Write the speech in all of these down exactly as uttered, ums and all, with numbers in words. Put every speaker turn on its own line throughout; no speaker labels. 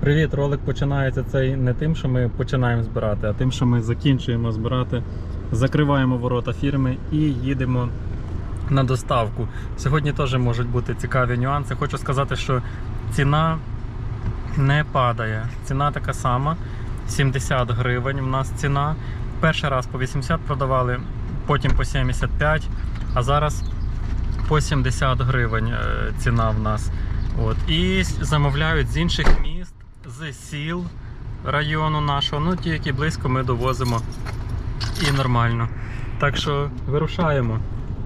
Привіт! Ролик починається цей не тим, що ми починаємо збирати, а тим, що ми закінчуємо збирати, закриваємо ворота фірми і їдемо на доставку. Сьогодні теж можуть бути цікаві нюанси. Хочу сказати, що ціна не падає. Ціна така сама, сімдесят гривень у нас ціна. Перший раз по вісімдесят продавали, потім по сімдесят п'ять, а зараз по сімдесят гривень ціна в нас. От. І замовляють з інших міст, з сіл району нашого. Ну, ті, які близько, ми довозимо і нормально. Так що вирушаємо.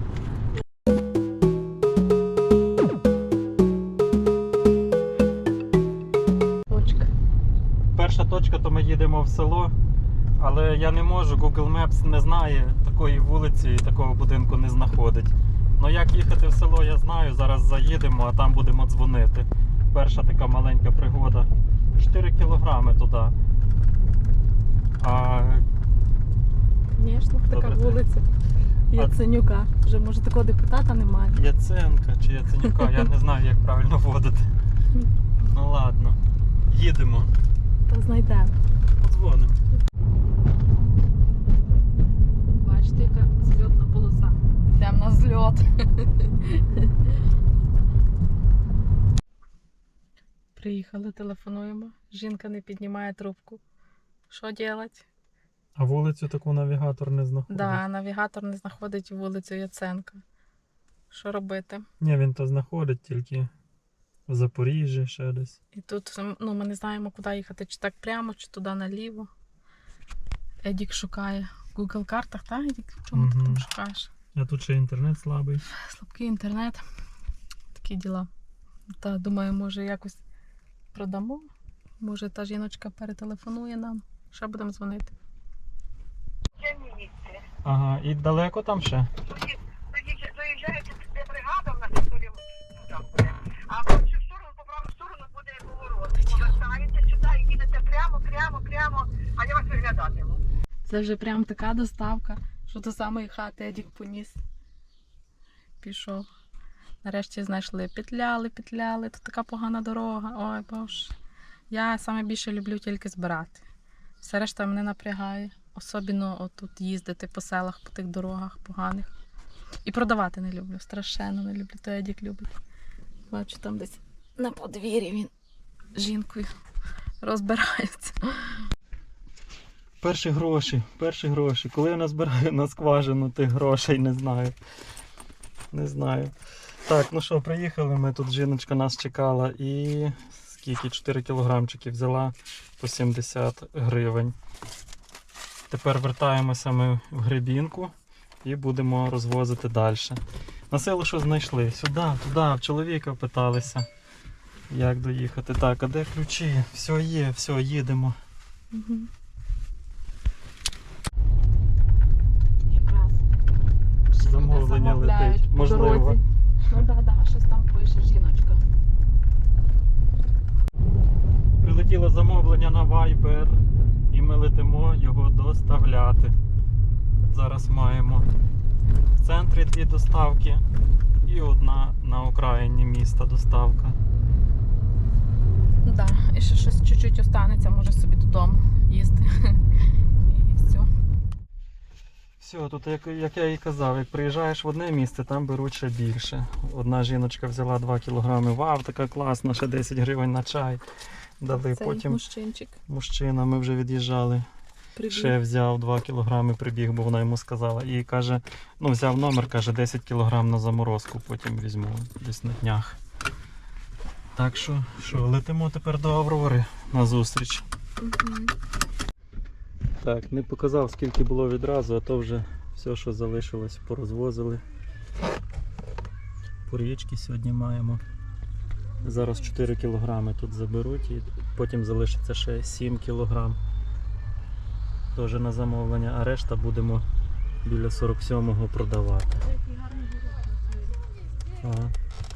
Точка.
Перша точка, то ми їдемо в село, але я не можу, Google Maps не знає такої вулиці і такого будинку не знаходить. Ну як їхати в село, я знаю, зараз заїдемо, а там будемо дзвонити. Перша така маленька пригода. чотири кілограми туди. А...
Звісно, така вулиця Яценюка. Вже, може, такого депутата немає.
Яценка чи Яценюка, я не знаю, як правильно вводити. Ну ладно, їдемо.
Та знайдемо.
Подзвонимо.
Бачите, яка зльотна полоса. Йдемо на зльот. Приїхали, телефонуємо. Жінка не піднімає трубку. Що робити?
А вулицю таку навігатор не знаходить?
Так, да, навігатор не знаходить вулицю Яценка. Що робити?
Ні, він то знаходить тільки в Запоріжжі ще десь.
І тут ну, ми не знаємо, куди їхати, чи так прямо, чи туди наліво. Едік шукає в Google картах, так, Едік? В чому
Угу.
ти там шукаєш?
А тут ще інтернет слабий.
Слабкий інтернет. Такі діла. Та думаю, може якось продамо. Може та жіночка перетелефонує нам. Ще будемо дзвонити.
Ага, і далеко там ще?
Заїжджаєте, де бригада в нас історія, там буде, а по цю сторону, по праву сторону буде поворот. Повертаєте сюди і їдете прямо, прямо, прямо, а я вас виглядатиму.
Це вже прям така доставка, що до самої хати Едік поніс. Пішов. Нарешті знайшли. Петляли, петляли. Тут така погана дорога. Ой, боже. Я саме більше люблю тільки збирати. Все решта мене напрягає. Особливо отут їздити по селах, по тих дорогах поганих. І продавати не люблю. Страшенно не люблю. То Едік любить. Бачу, там десь на подвір'ї він з жінкою розбирається.
Перші гроші, перші гроші. Коли я назбираю на скважину тих грошей, не знаю. Не знаю. Так, ну що, приїхали ми, тут жіночка нас чекала і скільки, чотири кілограмчики взяла по сімдесят гривень. Тепер вертаємося ми в Гребінку і будемо розвозити далі. На село що знайшли? Сюди, туди, в чоловіка питалися, як доїхати. Так, а де ключі? Все є, все, їдемо.
Угу. Якраз
Замовлення летить. Можливо.
Ну так, да, да, щось там пише жіночка.
Прилетіло замовлення на Viber і ми летимо його доставляти. Зараз маємо в центрі дві доставки і одна на окраїні міста доставка.
Так, да, і ще щось чуть-чуть останеться, може собі додому їсти. І все.
Все, тут як, як я і казав, як приїжджаєш в одне місце, там беруть ще більше. Одна жіночка взяла два кілограми, вау, така класна, ще десять гривень на чай дали.
Цей
Потім
мужчинчик
мужчина, ми вже від'їжджали,
прибіг.
ще взяв два кілограми, прибіг, бо вона йому сказала. І каже, ну взяв номер, каже, десять кілограм на заморозку, потім візьму десь на днях. Так що, що, летимо тепер до Аврори на зустріч.
Угу.
Так, не показав, скільки було відразу, а то вже все, що залишилось, порозвозили. Порічки сьогодні маємо. Зараз чотири кілограми тут заберуть і потім залишиться ще сім кілограм. Теж на замовлення, а решта будемо біля сорок сьомого продавати. Ага.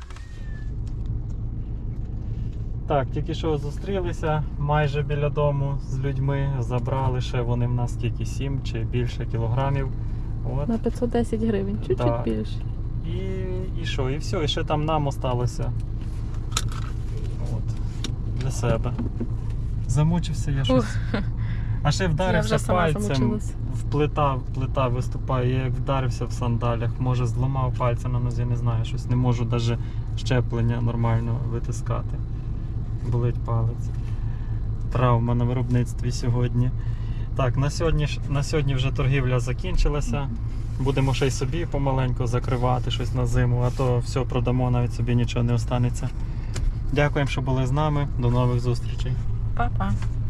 Так, тільки що зустрілися майже біля дому з людьми, забрали ще вони в нас тільки сім чи більше кілограмів. От.
На п'ятсот десять гривень, чуть-чуть
Да.
більше.
І, і що, і все, і ще там нам осталося. От. Для себе. Замучився я щось. А ще
Я
вдарився
вже сама
пальцем,
замучилась.
в плита, плита виступає, я як вдарився в сандалях, може зламав пальця на нозі, не знаю, щось не можу навіть щеплення нормально витискати. Болить палець. Травма на виробництві сьогодні. Так, на сьогодні, ж- на сьогодні вже торгівля закінчилася. Будемо ще й собі помаленьку закривати щось на зиму, а то все продамо, навіть собі нічого не останеться. Дякуємо, що були з нами. До нових зустрічей.
Па-па.